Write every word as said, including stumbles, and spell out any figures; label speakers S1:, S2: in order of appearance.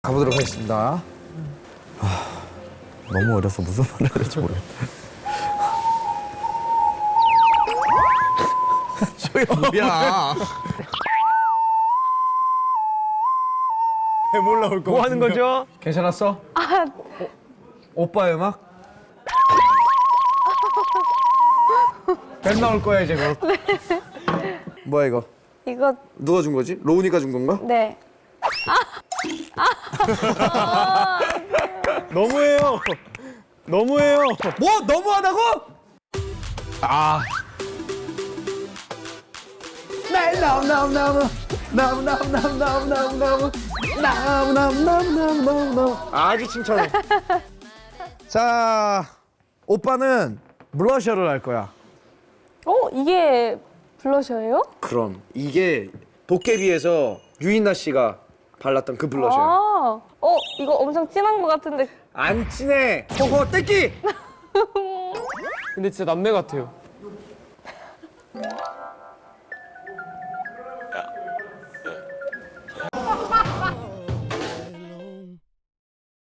S1: 가보도록 하겠습니다.
S2: 아, 너무 어려서 무슨 말을 해야 될지 모르겠다.
S1: 저게 뭐야?
S3: 배 올라올 거.
S4: 뭐 하는 거죠?
S1: 괜찮았어? 아, 오, 오빠의 음악? 뱀 나올 거야 이제 곧. 뭐야 이거?
S5: 이거
S1: 누가 준 거지? 로운이가 준 건가?
S5: 네.
S3: 너무해요. 너무해요.
S1: 뭐 너무하다고?
S4: 아,
S1: 날 너무 너무 너무 너무 너무 너무 너무 너무 너무 너무 너무 너무 너무 너무 아주 칭찬해. 자, 오빠는 블러셔를 할 거야.
S5: 어 이게 블러셔예요?
S1: 그럼 이게 도깨비에서 유인나 씨가 발랐던 그 블러셔야.
S5: 아, 어 이거 엄청 진한 것 같은데.
S1: 안 친해. 호호 떼끼.
S4: 근데 진짜 남매 같아요.